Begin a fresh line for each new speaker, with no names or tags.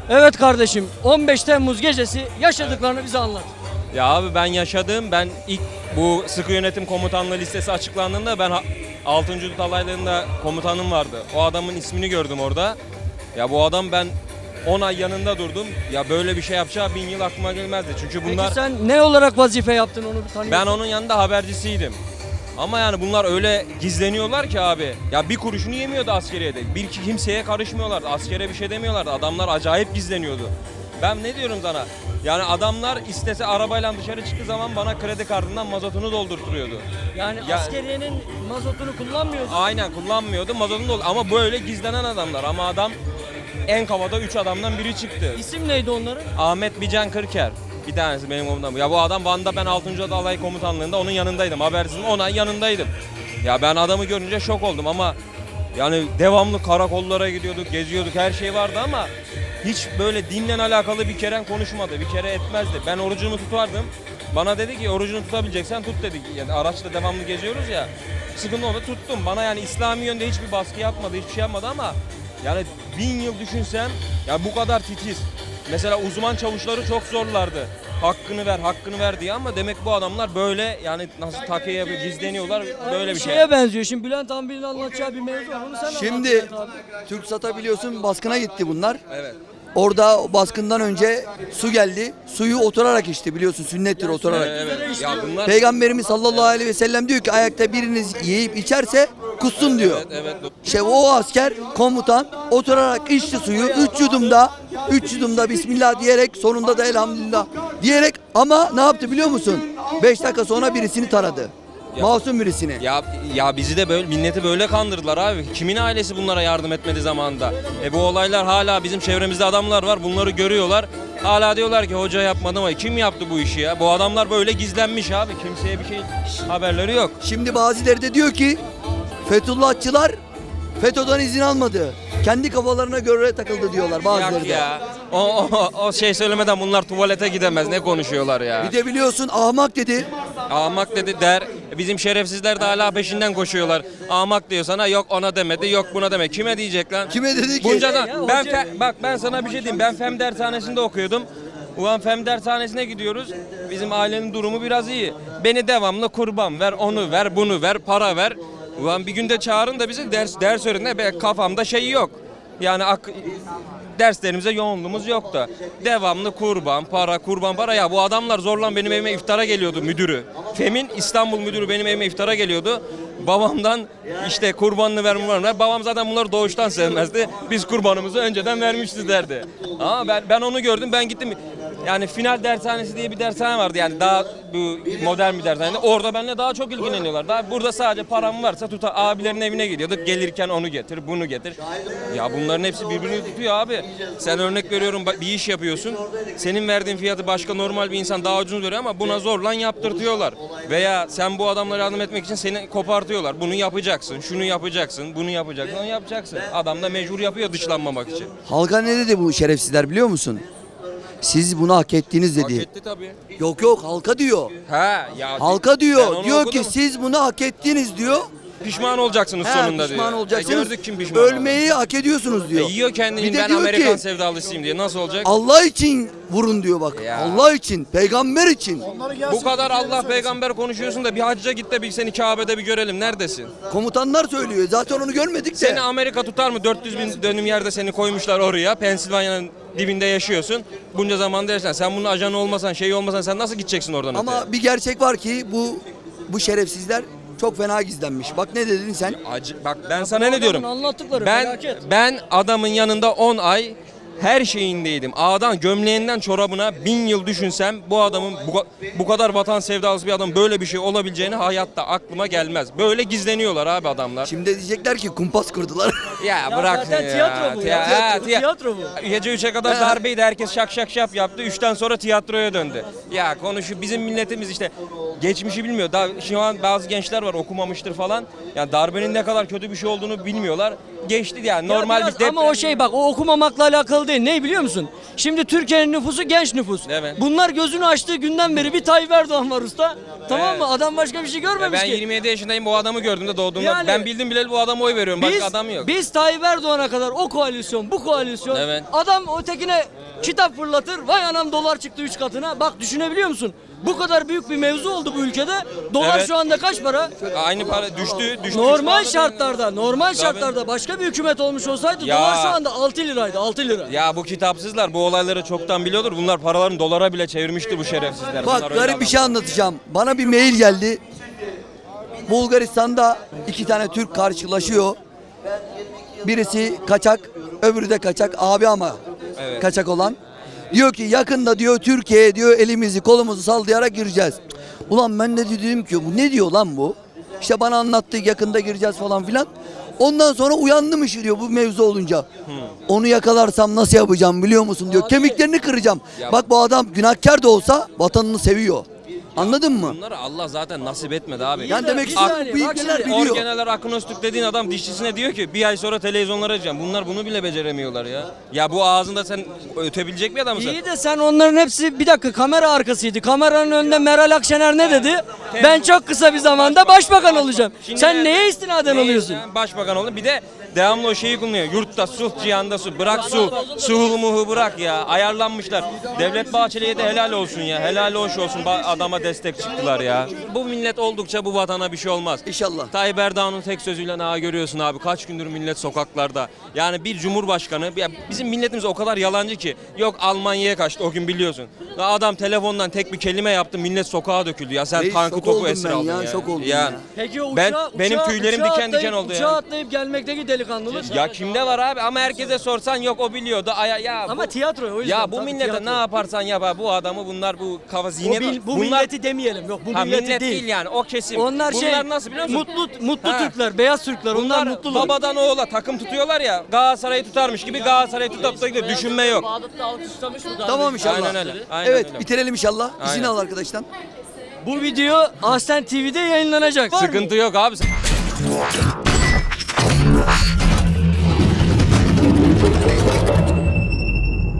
Evet kardeşim, 15 Temmuz gecesi yaşadıklarını bize anlat.
Ya abi ben yaşadım. Ben ilk bu sıkı yönetim komutanlığı listesi açıklandığında ben 6. Hudut Alayları'nda komutanım vardı. O adamın ismini gördüm orada. Ya bu adam ben 10 ay yanında durdum. Ya böyle bir şey yapacağı 1000 yıl aklıma gelmezdi. Çünkü bunlar
Peki sen ne olarak vazife yaptın onu bir tanıyorsun?
ben onun yanında habercisiydim. Ama yani bunlar öyle gizleniyorlar ki abi. Ya bir kuruşunu yemiyordu askeriyede. Bir kimseye karışmıyorlardı. Askere bir şey demiyorlardı. Adamlar acayip gizleniyordu. Ben ne diyorum sana? Yani adamlar istese arabayla dışarı çıktığı zaman bana kredi kartından mazotunu doldurtuyordu.
Yani
Ya-
askeriyenin mazotunu kullanmıyordun.
Aynen kullanmıyordu. Mazotunu doldur. Ama böyle gizlenen adamlar. Ama adam en kafada 3 adamdan biri çıktı.
İsim neydi onların?
Ahmet Bican Kırker. Bir tanesi benim komutanım. Ya bu adam Van'da ben 6. Alay Komutanlığı'nda onun yanındaydım. Habersizim 10 ay yanındaydım. Ya ben adamı görünce şok oldum ama yani devamlı karakollara gidiyorduk, geziyorduk, her şey vardı ama hiç böyle dinle alakalı bir kere konuşmadı, bir kere etmezdi. Ben orucumu tutardım. Bana dedi ki orucunu tutabileceksen tut dedi. Yani araçla devamlı geziyoruz ya. Sıkıntı oldu tuttum. Bana yani İslami yönde hiçbir baskı yapmadı, hiçbir şey yapmadı ama yani 1000 yıl düşünsem ya bu kadar titiz. Mesela uzman çavuşları çok zorlardı. Hakkını ver diye ama demek bu adamlar böyle yani nasıl takiye yapıyor, gizleniyorlar böyle bir şey.
Şeye benziyor. Şimdi Bülent Hanım'ın anlatacağı bir mevzu var. Onu sen
Şimdi
anlat Bülent abi.
TürkSat'a biliyorsun baskına gitti bunlar.
Evet.
Orada baskından önce su geldi. Suyu oturarak içti biliyorsun sünnettir oturarak.
Evet. Ya bunlar
Peygamberimiz sallallahu aleyhi ve sellem diyor ki ayakta biriniz yiyip içerse kussun diyor.
evet.
İşte o asker komutan oturarak içti suyu 3 yudumda Bismillah diyerek sonunda da elhamdülillah diyerek ama ne yaptı biliyor musun? 5 dakika sonra birisini taradı. Masum birisini.
Ya bizi de böyle milleti böyle kandırdılar abi. Kimin ailesi bunlara yardım etmedi zamanında? Bu olaylar hala bizim çevremizde adamlar var. Bunları görüyorlar. Hala diyorlar ki hoca yapmadı ama kim yaptı bu işi ya? Bu adamlar böyle gizlenmiş abi. Kimseye bir şey haberleri yok.
Şimdi bazıları da diyor ki Fethullahçılar FETÖ'den izin almadı. Kendi kafalarına göre takıldı diyorlar bazıları
Yak
da.
ya. O şey söylemeden bunlar tuvalete gidemez. Ne konuşuyorlar ya?
Bir de biliyorsun ahmak dedi.
Ahmak dedi der. Bizim şerefsizler de hala peşinden koşuyorlar. Ahmak diyor sana yok ona demedi yok buna demedi. Kime diyecek lan?
Kime dedi ki?
Bunca da
Ya
ben
hoca-
bak ben sana bir şey diyeyim. Ben fen dershanesinde okuyordum. Ulan fen dershanesine gidiyoruz. Bizim ailenin durumu biraz iyi. Beni devamlı kurban ver, onu ver, bunu ver, para ver. Ulan bir günde çağırın da bizi ders öğretin. Be kafamda şey yok. Yani derslerimize yoğunluğumuz yok da. Devamlı kurban para. Ya bu adamlar zorla benim evime iftara geliyordu müdürü. FEM'in İstanbul müdürü benim evime iftara geliyordu. Babamdan işte kurbanını ver. Babam zaten bunları doğuştan sevmezdi. Biz kurbanımızı önceden vermişiz derdi. Ama ben onu gördüm. Ben gittim. Yani final dershanesi diye bir dershane vardı. Yani daha bu modern bir dershane. Orada benimle daha çok ilgileniyorlar. Daha burada sadece param varsa abilerin evine gidiyorduk. Gelirken onu getir, bunu getir. Ya bunların hepsi birbirini tutuyor abi. Sen örnek veriyorum bir iş yapıyorsun. Senin verdiğin fiyatı başka normal bir insan daha ucuz veriyor ama buna zorla yaptırtıyorlar. Veya sen bu adamlara yardım etmek için seni kopartıyorlar. Bunu yapacaksın, şunu yapacaksın, bunu yapacaksın, onu yapacaksın. Adam da mecbur yapıyor dışlanmamak için.
Halka ne dedi bu şerefsizler biliyor musun? Siz bunu hak ettiniz
Hak
dedi.
etti tabii.
Yok halka diyor.
Ha ya.
Halka
ben
diyor.
onu
Diyor
okudum.
ki siz bunu hak ettiniz diyor.
Pişman olacaksınız
He,
sonunda diyor.
pişman olacaksınız.
Gördük kim pişman
Ölmeyi hak ediyorsunuz diyor.
yiyor kendini
Bir de
ben
diyor
Amerikan
ki,
sevdalısıyım diye. Nasıl olacak?
Allah için vurun diyor bak.
Ya.
Allah için, peygamber için.
Bu kadar Allah peygamber konuşuyorsun da bir hacca git de bir seni Kabe'de bir görelim. Neredesin?
Komutanlar söylüyor. Zaten onu görmedik de.
Seni Amerika tutar mı? 400 bin dönüm yerde seni koymuşlar oraya. Pensilvanya'nın dibinde yaşıyorsun. Bunca zamanda yaşasan. Sen bunun ajanı olmasan, şey olmasan sen nasıl gideceksin oradan öteye?
Ama bir gerçek var ki bu şerefsizler çok fena gizlenmiş. Bak ne dedin sen?
Bak ben sana ne diyorum?
Adamın anlattıkları
Ben
felaket.
ben adamın yanında 10 ay her şeyindeydim. Ağdan gömleğinden çorabına 1000 yıl düşünsem bu adamın bu kadar vatan sevdalısı bir adam böyle bir şey olabileceğini hayatta aklıma gelmez. Böyle gizleniyorlar abi adamlar.
Şimdi diyecekler ki kumpas kurdular.
Ya
Ya
bırak
zaten tiyatro bu ya. Tiyatro bu.
Gece 3'e kadar darbeydi herkes şak şak şap yaptı. 3'ten sonra tiyatroya döndü. Ya bizim milletimiz işte geçmişi bilmiyor. Daha şu an bazı gençler var okumamıştır falan. Yani darbenin ne kadar kötü bir şey olduğunu bilmiyorlar. Geçti yani
Ya
normal
biraz
bir deprem.
ama o şey bak o okumamakla alakalı değil. Ne biliyor musun? Şimdi Türkiye'nin nüfusu genç nüfus.
Evet.
Bunlar gözünü açtığı günden beri bir Tayyip Erdoğan var usta. Tamam mı?
Evet.
Adam başka bir şey görmemiş
Ben
ki.
27 yaşındayım bu adamı gördüğümde doğduğumda
Yani-
ben bildim bileli bu adama oy veriyorum. Başka
Biz,
adam yok.
biz Tayyip Erdoğan'a kadar o koalisyon, bu koalisyon.
Evet.
Adam ötekine kitap fırlatır. Vay anam dolar çıktı 3 katına. Bak düşünebiliyor musun? Bu kadar büyük bir mevzu oldu bu ülkede. Dolar
Evet.
şu anda kaç para?
Aynı para düştü.
Normal
Şu
şartlarda, normal
Tabii.
şartlarda başka bir hükümet olmuş olsaydı
Ya.
dolar şu anda 6 liraydı, 6 lira.
Ya bu kitapsızlar bu olayları çoktan biliyordur. Bunlar paralarını dolara bile çevirmiştir bu şerefsizler.
Bak
Bunlar öyle
garip bir şey
adamlar.
anlatacağım. Bana bir mail geldi. Bulgaristan'da 2 tane Türk karşılaşıyor. Birisi kaçak, öbürü de kaçak. Abi ama
Evet.
kaçak olan. Diyor ki yakında diyor Türkiye'ye diyor elimizi kolumuzu sallayarak gireceğiz. Ulan ben de dedim ki bu ne diyor lan bu? İşte bana anlattı yakında gireceğiz falan filan. Ondan sonra uyandım işi diyor bu mevzu olunca. Onu yakalarsam nasıl yapacağım biliyor musun diyor.
Abi-
Kemiklerini kıracağım.
Ya-
Bak bu adam günahkar da olsa vatanını seviyor. Anladın mı?
Bunları Allah zaten nasip etmedi abi.
Yani demek
Bir
istiyorum
saniye,
bu
bak
ilkeler
şimdi,
biliyor.
Orgeneral Akınostuk dediğin adam dişçisine diyor ki bir ay sonra televizyonlara açacağım. Bunlar bunu bile beceremiyorlar ya. Ya bu ağzında sen ötebilecek bir adam mısın?
İyi de sen onların hepsi bir dakika kamera arkasıydı. Kameranın önünde Meral Akşener ne dedi? Ben çok kısa bir zamanda başbakan olacağım.
Şimdi
Sen
nerede?
neye istinaden
Neye
alıyorsun?
istinaden? Başbakan oldu. Bir de devamlı o şeyi kullanıyor. Yurtta sulh, cihanda sulh. Bırak sulh. Suhul muhu bırak ya. Ayarlanmışlar. Devlet Bahçeli'ye de helal olsun ya. Helal hoş olsun. Adama destek çıktılar ya. Bu millet oldukça bu vatana bir şey olmaz.
İnşallah.
Tayyip Erdoğan'ın tek sözüyle görüyorsun abi. Kaç gündür millet sokaklarda. Yani bir cumhurbaşkanı. Ya bizim milletimiz o kadar yalancı ki. Yok Almanya'ya kaçtı o gün biliyorsun. Ya adam telefondan tek bir kelime yaptı. Millet sokağa döküldü ya. Sen
Reis,
tankı
şok
topu
oldum
esir
ben
aldın
ya,
ya.
şok oldum ya.
Peki o
Benim tüylerim diken diken oldu ya.
Uçağa atlayıp gelmekteki delikanlılık.
Ya kimde var abi ama herkese sorsan yok o biliyordu. Ya
Ama tiyatro o yüzden.
ya bu
tabii
millete
tiyatro.
ne yaparsan yap abi, bu adamı bunlar bu kafa zihniyet.
Bu
bunlar
milleti demeyelim. Yok bu
ha,
milleti
millet değil.
değil.
Yani o kesim.
Onlar
bunlar nasıl biliyor musun?
mutlu
Ha.
Türkler, beyaz Türkler. Onlar
Bunlar
mutlular.
babadan oğula takım tutuyorlar ya. Galatasaray'ı tutarmış gibi Galatasaray'ı tutup da gidiyor. Düşünme yok.
Bağdat'ta alkışlamış mı daha
Tamam
önce?
inşallah.
Aynen öyle. Aynen
Evet
öyle.
bitirelim inşallah. İzin
Aynen.
al arkadaştan.
Bu video Aslen TV'de yayınlanacak. Var mı?
Sıkıntı yok abi.